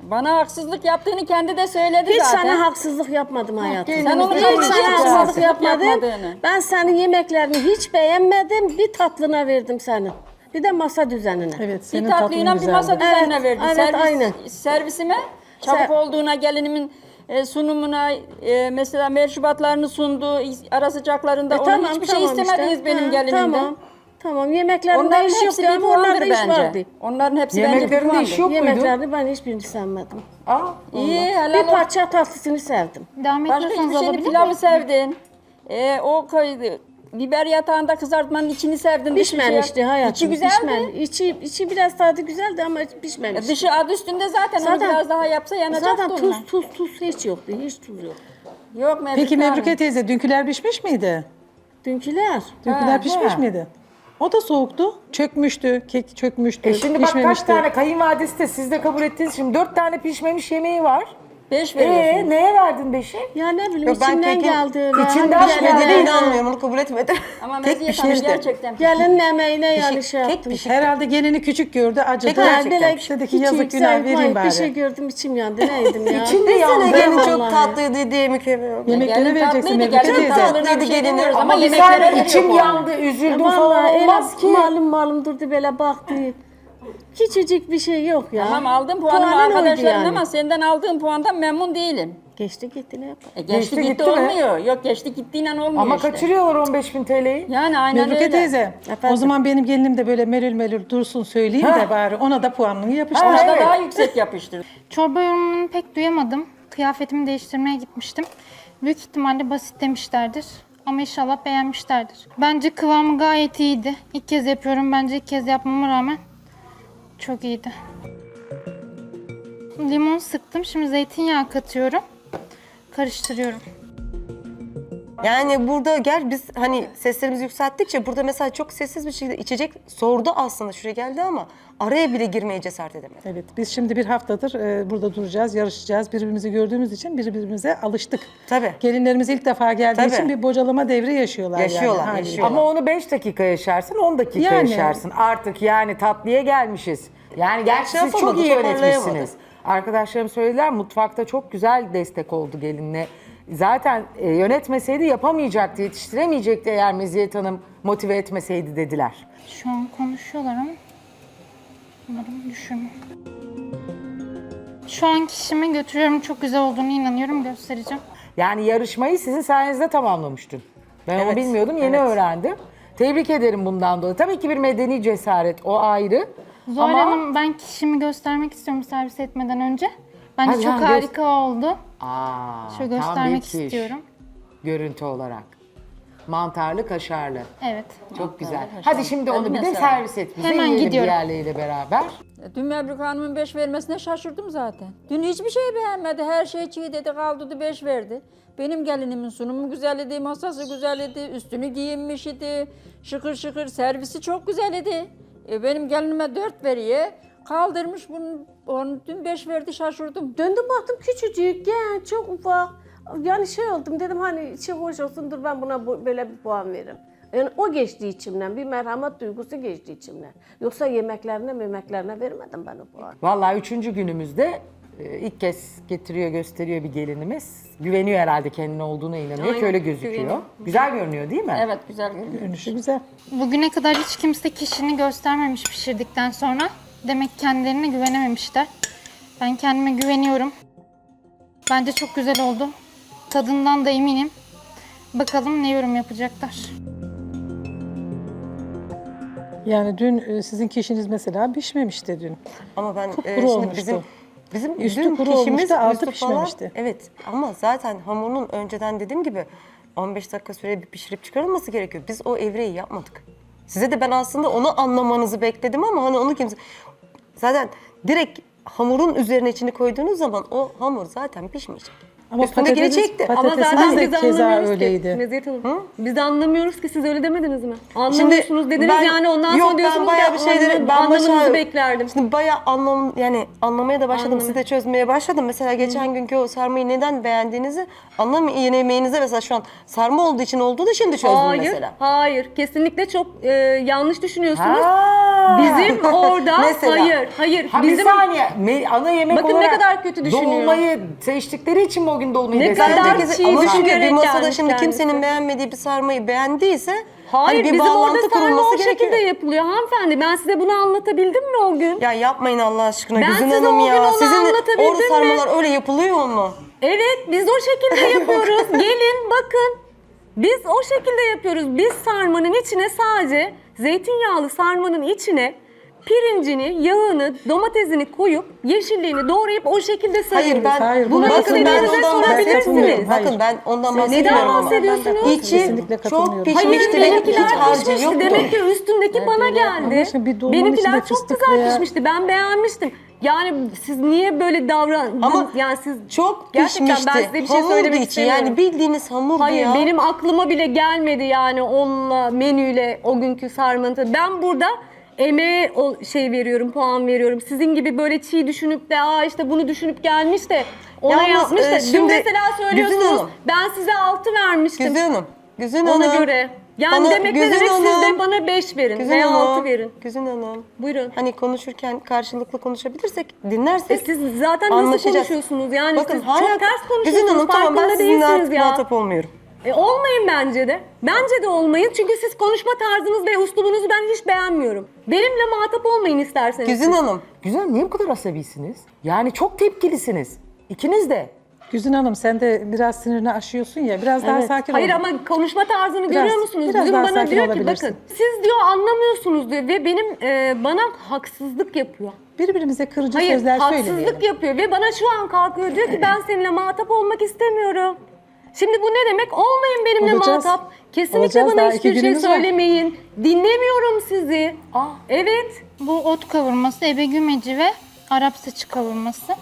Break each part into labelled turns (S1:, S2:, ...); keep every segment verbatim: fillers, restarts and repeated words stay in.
S1: Bana haksızlık yaptığını kendi de söyledi
S2: Hiç
S1: zaten.
S2: sana haksızlık yapmadım hayatım.
S1: Sen onu
S2: hiç
S1: kabul
S2: sana
S1: ediyorsun.
S2: haksızlık yapmadım.
S1: Yapmadığını.
S2: Ben senin yemeklerini hiç beğenmedim. Bir tatlına verdim senin. Bir de masa düzenine.
S3: Evet,
S1: Bir
S3: senin tatlın
S1: tatlıyla bir
S3: güzeldi.
S1: masa düzenine
S2: Evet,
S1: verdi.
S2: evet,
S1: Servis,
S2: aynen.
S1: Servisime çabuk
S2: Ser-
S1: olduğuna, gelinimin e, sunumuna, e, mesela meşrubatlarını sundu, ara sıcaklarında.
S2: E,
S1: Ona
S2: tamam,
S1: hiçbir
S2: tamam
S1: şey istemediniz
S2: işte.
S1: benim
S2: Ha,
S1: gelinimden.
S2: Tamam. Tamam. Yemeklerinde
S1: Onların
S2: iş
S1: hepsi
S2: yoktu
S1: bir
S2: ama onlarda
S1: puandır
S2: iş
S1: bence.
S2: vardı.
S1: Onların hepsi bence bir
S4: Yemeklerinde
S1: puandır.
S4: iş yok muydu?
S2: Yemeklerini ben hiçbirini sevmedim.
S4: Aa,
S1: İyi, helal
S2: Bir
S1: olsun.
S2: parça tatlısını sevdim.
S5: Devam
S1: Başka
S5: etmiyorsanız
S1: hiçbir şeyini
S5: alabilir
S1: pilavı
S5: miyim?
S1: sevdin. E, o koydu. Biber yatağında kızartmanın içini sevdin. dışı
S2: Pişmemişti
S1: şey-
S2: hayatım.
S1: İçi güzeldi.
S2: Pişmen. İçi, içi biraz tadı güzeldi ama
S1: E,
S2: pişmemiş.
S1: dışı adı üstünde zaten,
S2: Zaten-
S1: onu biraz daha yapsa yanacaktı
S2: Zaten
S1: onunla.
S2: tuz tuz tuz hiç yoktu. Hiç tuz yok.
S1: Yok Mevlüt
S3: Peki
S1: Hanım.
S3: Mebruke teyze dünküler pişmiş miydi?
S2: Dünküler.
S3: Dünküler
S1: Ha,
S3: pişmiş
S1: ha.
S3: miydi? O da soğuktu. Çökmüş,tü kek çökmüştü,
S4: E şimdi bak kaç
S3: pişmemişti.
S4: tane kayınvalidesi de siz de kabul ettiniz. Şimdi dört tane pişmemiş yemeği var.
S1: Beş
S4: Ee
S1: veriyorsunuz.
S4: neye verdin beşi?
S2: Ya ne bileyim
S6: Yok, ben
S2: içimden
S6: kekin
S2: geldi öyle.
S4: içinden
S2: Hani
S4: geldi.
S2: gelin-
S6: Dediğine inanmıyorum, onu kabul etmedim.
S1: Ama
S6: Tek
S1: Meziyet Hanım
S6: pişmişti.
S1: gerçekten
S2: Gelinin emeğine yani
S6: Pişik-
S2: şey
S6: kek
S2: yaptım.
S6: pişik.
S3: Herhalde gelini küçük gördü, acıdı.
S6: Peki, gerçekten.
S3: Dedi ki
S2: hiç
S3: yazık
S2: yüksek
S3: günah vereyim
S2: mayıp
S3: bari.
S2: Bir şey gördüm içim yandı. Neydim ya?
S4: İçin mi
S6: Desene
S4: yandı?
S6: gelin çok
S2: vallahi.
S6: tatlıydı diye mükemmel.
S3: Yemekleri
S1: Gelin
S3: vereceksin
S1: tatlıydı,
S3: Mebruke
S1: gelin
S3: teyze.
S1: tatlılığına bir
S6: Tatlıydı
S1: şey
S6: gelini.
S1: demiyoruz
S4: Ama
S1: ama
S4: bir
S1: yemeklere
S4: saniye
S1: veriyor
S4: içim
S1: puanı.
S4: yandı, üzüldüm
S2: Vallahi
S4: falan
S2: öyle
S4: olmaz ki.
S2: malum malum durdu böyle baktı. Küçücük bir şey yok ya.
S1: Tamam, aldım puanımı
S2: Puanın oydu
S1: arkadaşlarım
S2: yani.
S1: ama senden aldığım puandan memnun değilim.
S2: Geçti gitti ne yapalım.
S1: E geçti,
S4: Geçti
S1: gitti,
S4: gitti mi?
S1: olmuyor. Yok geçti gittiğiyle olmuyor
S4: Ama
S1: işte.
S4: kaçırıyorlar on beş bin T L'yi.
S1: Yani aynen
S3: Mebruke
S1: öyle.
S3: teyze,
S2: Efendim?
S3: o zaman benim gelinim de böyle melül melül dursun söyleyeyim
S4: Ha.
S3: de bari ona da puanını yapıştır.
S4: Ha,
S1: Ona da
S4: evet.
S1: daha yüksek yapıştır.
S5: Çorba yorumunu pek duyamadım. Kıyafetimi değiştirmeye gitmiştim. Büyük ihtimalle basit demişlerdir. Ama inşallah beğenmişlerdir. Bence kıvamı gayet iyiydi. İlk kez yapıyorum. Bence ilk kez yapmama rağmen çok iyiydi. Limon sıktım. Şimdi zeytinyağı katıyorum. Karıştırıyorum.
S6: Yani burada gel biz hani seslerimizi yükselttikçe burada mesela çok sessiz bir şekilde içecek sordu aslında şuraya geldi ama araya bile girmeye cesaret edemedi.
S3: Evet, biz şimdi bir haftadır e, burada duracağız, yarışacağız. Birbirimizi gördüğümüz için birbirimize alıştık.
S6: Tabii.
S3: Gelinlerimiz ilk defa geldiği
S6: Tabii.
S3: için bir bocalama devri yaşıyorlar.
S6: Yaşıyorlar,
S3: yani, haliyle.
S6: yaşıyorlar.
S4: Ama onu beş dakika yaşarsın, on dakika
S3: Yani.
S4: yaşarsın. Artık yani tatlıya gelmişiz. Yani gerçi
S6: Şey
S4: siz çok
S6: yapamadı,
S4: iyi
S6: toparlayamadı.
S4: yönetmişsiniz. Arkadaşlarım söylediler, mutfakta çok güzel destek oldu gelinle. Zaten e, yönetmeseydi yapamayacaktı, yetiştiremeyecekti eğer Meziyet Hanım motive etmeseydi dediler.
S5: Şu an konuşuyorlar ama umarım düşürmem. Şu an kişimi götürüyorum. Çok güzel olduğunu inanıyorum. Göstereceğim.
S4: Yani yarışmayı sizin sayenizde tamamlamıştım. Ben onu
S6: Evet,
S4: bilmiyordum, yeni
S6: evet.
S4: öğrendim. Tebrik ederim bundan dolayı. Tabii ki bir medeni cesaret, o ayrı.
S5: Zuhal
S4: Ama
S5: Hanım, ben kişimi göstermek istiyorum servis etmeden önce. Bence
S4: Hadi
S5: çok
S4: lan, gö-
S5: harika oldu.
S4: Aa,
S5: Şöyle
S4: tam
S5: göstermek
S4: bir kiş.
S5: istiyorum.
S4: Görüntü olarak. Mantarlı, kaşarlı.
S5: Evet.
S4: Çok güzel.
S1: kaşarlı.
S4: Hadi şimdi onu bir de
S1: Eline sağlık.
S4: servis et bize.
S5: Hemen
S4: yiyelim
S5: gidiyorum.
S4: diğerleriyle beraber.
S1: Dün Mebruke Hanım'ın beş vermesine şaşırdım zaten. Dün hiçbir şey beğenmedi. Her şey çiğ dedi, kaldırdı, beş verdi. Benim gelinimin sunumu güzel idi, masası güzel idi, üstünü giyinmiş idi. Şıkır şıkır, servisi çok güzel idi. E, benim gelinime dört veriyor. Kaldırmış bunu, onu dün beş verdi, şaşırdım.
S2: Döndüm baktım küçücük, genç, çok ufak. Yani şey oldum dedim hani içi hoş olsun dur ben buna bu- böyle bir puan veririm. Yani o geçti içimden, bir merhamet duygusu geçti içimden. Yoksa yemeklerine memeklerine vermedim ben o puanı.
S4: Vallahi üçüncü günümüzde e, ilk kez getiriyor, gösteriyor bir gelinimiz. Güveniyor herhalde kendine olduğuna inanıyor ki
S1: Aynen,
S4: öyle gözüküyor.
S1: güveniyor.
S4: Güzel görünüyor değil mi?
S1: Evet, güzel görünüyor.
S3: Görünüşü güzel.
S5: Bugüne kadar hiç kimse kişini göstermemiş pişirdikten sonra. Demek ki kendilerine güvenememişler. Ben kendime güveniyorum. Bence çok güzel oldu. Tadından da eminim. Bakalım ne yorum yapacaklar.
S3: Yani dün e, sizin kişiniz mesela pişmemişti dün.
S6: Ama ben
S3: Kupkuru
S6: e, şimdi
S3: olmuştu.
S6: bizim bizim
S3: Üstü
S6: dün
S3: kuru
S6: kişimiz
S3: olmuştu, altı
S6: üstü falan-
S3: pişmemişti.
S6: Evet ama zaten hamurun önceden dediğim gibi on beş dakika süre bir pişirip çıkarılması gerekiyor. Biz o evreyi yapmadık. Size de ben aslında onu anlamanızı bekledim ama hani onu kimse... Zaten direkt hamurun üzerine içini koyduğunuz zaman o hamur zaten pişmeyecek.
S3: Ama
S6: Üstündekini
S3: patates-
S6: çekti.
S3: patates-
S7: Ama
S3: Patatesiniz
S7: zaten
S3: de
S7: biz
S3: keza
S7: anlamıyoruz
S3: öyleydi.
S7: ki. Meziyet Hanım. Biz de anlamıyoruz ki siz öyle demediniz mi? Anlamıyorsunuz dediniz
S6: ben-
S7: yani ondan
S6: yok,
S7: sonra diyorsunuz
S6: ben bayağı
S7: ki
S6: bir şeyleri
S7: anlam-
S6: ben
S7: anlamanızı
S6: başa-
S7: beklerdim.
S6: Şimdi bayağı anlam yani anlamaya da başladım.
S7: Anladım.
S6: Siz de çözmeye başladım. Mesela geçen günkü o sarmayı neden beğendiğinizi anlamayın yemeğinize mesela şu an sarma olduğu için olduğu da şimdi çözdüm
S7: Hayır,
S6: mesela.
S7: hayır. Kesinlikle çok e, yanlış düşünüyorsunuz.
S4: Ha.
S7: Bizim orada
S4: Mesela.
S7: hayır, hayır.
S4: Ha
S7: bizim
S4: bir saniye. Me- ana yemek
S7: Bakın ne
S4: olarak
S7: kadar kötü düşünüyor.
S4: dolmayı seçtikleri için mi o gün dolmayı
S7: Ne
S4: desteklediniz?
S7: kadar
S6: Herkes-
S7: çiğ
S6: ama çünkü bir
S7: düşünerek
S6: masada
S7: gelmiş
S6: şimdi
S7: kendisi.
S6: kimsenin beğenmediği bir sarmayı beğendiyse
S7: Hayır,
S6: hani bir
S7: bizim orada
S6: bağlantı
S7: sarma
S6: kurulması
S7: o
S6: gerekiyor.
S7: şekilde yapılıyor hanımefendi. Ben size bunu anlatabildim mi o gün?
S6: Ya yapmayın Allah aşkına
S7: Ben
S6: Güzin
S7: size
S6: Hanım
S7: o gün
S6: ya.
S7: onu
S6: Sizin
S7: anlatabildim
S6: orada
S7: mi?
S6: sarmalar öyle yapılıyor mu?
S7: Evet, biz o şekilde yapıyoruz. Gelin bakın. Biz o şekilde yapıyoruz. Biz sarmanın içine sadece zeytinyağlı sarmanın içine pirincini, yağını, domatesini koyup yeşilliğini doğrayıp o şekilde sarıyoruz.
S6: Hayır ben
S3: Hayır,
S7: Bunu
S3: buna
S6: bakın ben
S7: istediğinize
S6: ondan
S7: sorabilirsiniz.
S6: bahsetmiyorum.
S3: Hayır.
S6: Bakın ben ondan
S3: Neden
S6: bahsetmiyorum ama.
S7: bahsediyorsunuz?
S6: İçi
S3: Kesinlikle
S6: çok
S3: katılmıyorum.
S6: pişmiş
S7: Hayır,
S6: demek hiç
S7: benimkiler
S6: harcı
S7: pişmişti.
S6: yoktu.
S7: Demek ki üstündeki bana
S3: Ama
S7: geldi.
S3: işte bir dolmanın
S7: Benimkiler
S3: içinde
S7: çok
S3: fıstıklı
S7: güzel
S3: ya.
S7: pişmişti. Ben beğenmiştim. Yani siz niye böyle davrandınız?
S6: Ama
S7: yani siz
S6: çok
S7: gerçekten
S6: pişmişti.
S7: ben size bir şey
S6: Hamurdu
S7: söylemek
S6: içi.
S7: istemiyorum.
S6: Yani bildiğiniz hamurdu
S7: Hayır
S6: ya.
S7: benim aklıma bile gelmedi yani onunla menüyle o günkü sarmanın tadı. Ben burada emeğe o şey veriyorum, puan veriyorum. Sizin gibi böyle çiğ düşünüp de aa işte bunu düşünüp gelmiş de ona
S6: Yalnız,
S7: yapmış da
S6: e,
S7: dün
S6: şimdi
S7: mesela
S6: Güzin
S7: söylüyorsunuz
S6: Hanım.
S7: ben size altı vermiştim.
S6: Güzin Hanım. Güzin
S7: Ona
S6: Hanım.
S7: göre. Yani
S6: Bana-
S7: demek ne
S6: Güzin
S7: demek siz
S6: Hanım.
S7: de bana beş verin
S6: Güzin
S7: veya
S6: Hanım.
S7: altı verin.
S6: Güzin Hanım.
S7: Buyurun.
S6: Hani konuşurken karşılıklı konuşabilirsek,
S7: E
S6: dinlersek
S7: siz zaten nasıl
S6: anlaşacağız.
S7: konuşuyorsunuz? Yani
S6: Bakın
S7: siz
S6: hala
S7: çok ters
S6: Güzin
S7: konuşuyorsunuz.
S6: Hanım tamam ben
S7: farkında
S6: sizinle
S7: değilsiniz
S6: artık
S7: ya.
S6: muhatap olmuyorum.
S7: E, olmayın bence de. Bence de olmayın. Çünkü siz konuşma tarzınız ve uslubunuzu ben hiç beğenmiyorum. Benimle muhatap olmayın isterseniz.
S6: Güzin Hanım.
S4: Güzel, niye bu kadar asabisiniz? Yani çok tepkilisiniz. İkiniz de.
S3: Güzin Hanım sen de biraz sinirini aşıyorsun ya. Biraz daha sakin
S7: Hayır
S3: ol.
S7: ama konuşma tarzını
S3: Biraz-
S7: görüyor musunuz?
S3: biraz
S7: Dün
S3: daha
S7: bana
S3: sakin
S7: diyor ki
S3: olabilirsin.
S7: bakın siz diyor anlamıyorsunuz diyor ve benim e, bana haksızlık yapıyor.
S3: Birbirimize kırıcı
S7: Hayır
S3: sözler
S7: haksızlık
S3: söylemeyelim.
S7: yapıyor ve bana şu an kalkıyor diyor ki ben seninle muhatap olmak istemiyorum. Şimdi bu ne demek? Olmayın benimle
S3: Olacağız.
S7: muhatap. Kesinlikle
S3: Olacağız,
S7: bana
S3: daha
S7: hiçbir
S3: iki
S7: şey
S3: günümüz var.
S7: söylemeyin. Dinlemiyorum sizi.
S4: Aa.
S7: Evet.
S5: Bu ot kavurması, ebe gümeci ve Arap saçı kavurması.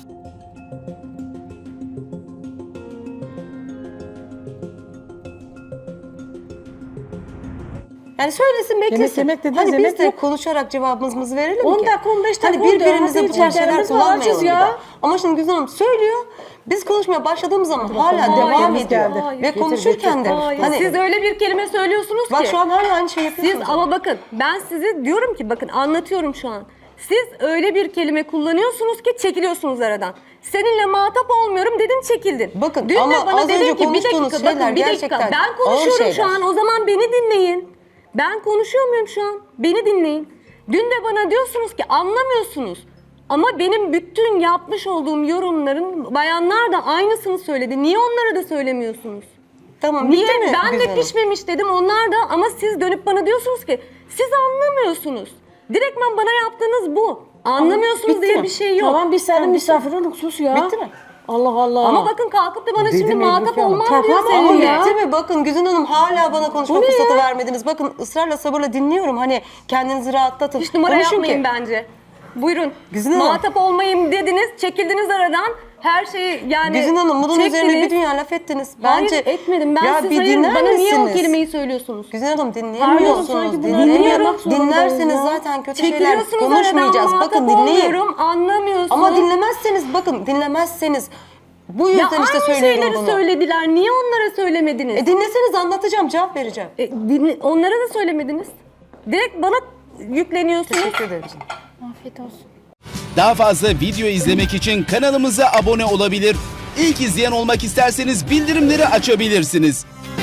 S6: Yani söylesin beklesin.
S3: yemek dediniz,
S6: hani
S3: yemek
S6: biz de
S3: yok.
S6: konuşarak cevabımızı verelim
S2: on
S6: ki.
S2: dakika, on beş
S6: Hani
S2: dakika oldu.
S6: birbirimize
S2: Hadi
S6: bu tarz şeyler
S2: içeceklerimiz var,
S6: kullanmayalım
S2: açız
S6: bir
S2: ya.
S6: daha. Ama şimdi Güzin Hanım söylüyor. Biz konuşmaya başladığımız zaman hala
S7: Hayır,
S6: devam
S3: biz
S6: ediyor.
S3: geldi.
S7: Hayır.
S6: Ve
S7: Getir,
S6: konuşurken de
S7: Hayır.
S6: hani
S7: Siz öyle bir kelime söylüyorsunuz
S6: bak
S7: ki.
S6: şu an hala aynı şey yapıyorsunuz.
S7: Siz ama bakın ben size diyorum ki bakın anlatıyorum şu an. Siz öyle bir kelime kullanıyorsunuz ki çekiliyorsunuz aradan. Seninle muhatap olmuyorum dedin çekildin.
S6: Bakın,
S7: Dün
S6: ama
S7: de bana
S6: az
S7: dedin
S6: önce
S7: ki bir
S6: konuştuğunuz
S7: dakika bakın
S6: şeyler
S7: bir dakika
S6: gerçekten
S7: ben
S6: ağır
S7: konuşuyorum şu
S6: şeyler.
S7: an o zaman beni dinleyin. Ben konuşuyor muyum şu an? Beni dinleyin. Dün de bana diyorsunuz ki anlamıyorsunuz. Ama benim bütün yapmış olduğum yorumların bayanlar da aynısını söyledi. Niye onlara da söylemiyorsunuz?
S6: Tamam
S7: Niye?
S6: bitti mi
S7: Ben
S6: Güzin
S7: de
S6: Hanım?
S7: pişmemiş dedim onlar da ama siz dönüp bana diyorsunuz ki siz anlamıyorsunuz. Direktmen bana yaptığınız bu. Anlamıyorsunuz
S6: bitti
S7: diye
S6: mi?
S7: bir şey yok.
S2: Tamam biz senin misafirin sus ya.
S6: Bitti mi?
S2: Allah Allah.
S7: Ama bakın kalkıp da bana
S4: Dedim
S7: şimdi
S4: Elif
S7: muhatap
S4: Hanım.
S7: olmam
S2: Tamam
S7: diyor
S2: ama
S6: Ama
S7: seninle.
S2: ya.
S6: bitti mi? Bakın Güzin Hanım hala bana konuşma
S2: Bu ne
S6: fırsatı
S2: ya?
S6: vermediniz. Bakın ısrarla sabırla dinliyorum. Hani kendinizi rahatlatın.
S7: Hiç numara
S6: Konuşun
S7: yapmayın
S6: ki.
S7: bence. Buyurun.
S6: Güzin Hanım.
S7: Muhatap olmayayım dediniz, çekildiniz aradan. Her şeyi yani
S6: Güzin Hanım bunun
S7: çektiniz.
S6: üzerine bir dünya laf ettiniz. Bence
S7: Hayır etmedim. Ben
S6: ya
S7: siz
S6: bir
S7: hayır
S6: dinler
S7: bana niye o
S6: misiniz?
S7: kelimeyi söylüyorsunuz?
S6: Güzin Hanım
S2: Pardon,
S6: dinleyemiyorsunuz.
S2: sanki bunu
S6: Dinleyemiyorum.
S2: dinlemek zorundayız
S6: Dinlerseniz
S2: ya.
S6: zaten kötü şeyler
S7: Çekiliyorsunuz aradan
S6: konuşmayacağız.
S7: muhatap
S6: Bakın dinleyin.
S7: olmuyorum, anlamıyorsunuz.
S6: Ama dinlemezseniz bakın dinlemezseniz bu yüzden
S7: Ya
S6: işte
S7: aynı
S6: söylüyorum
S7: şeyleri
S6: bunu.
S7: söylediler. Niye onlara söylemediniz?
S6: E dinleseniz anlatacağım, cevap vereceğim.
S7: E, dinle- onlara da söylemediniz. Direkt bana yükleniyorsunuz.
S6: Teşekkür ederim.
S5: Afiyet olsun.
S8: Daha fazla video izlemek için kanalımıza abone olabilir. İlk izleyen olmak isterseniz bildirimleri açabilirsiniz.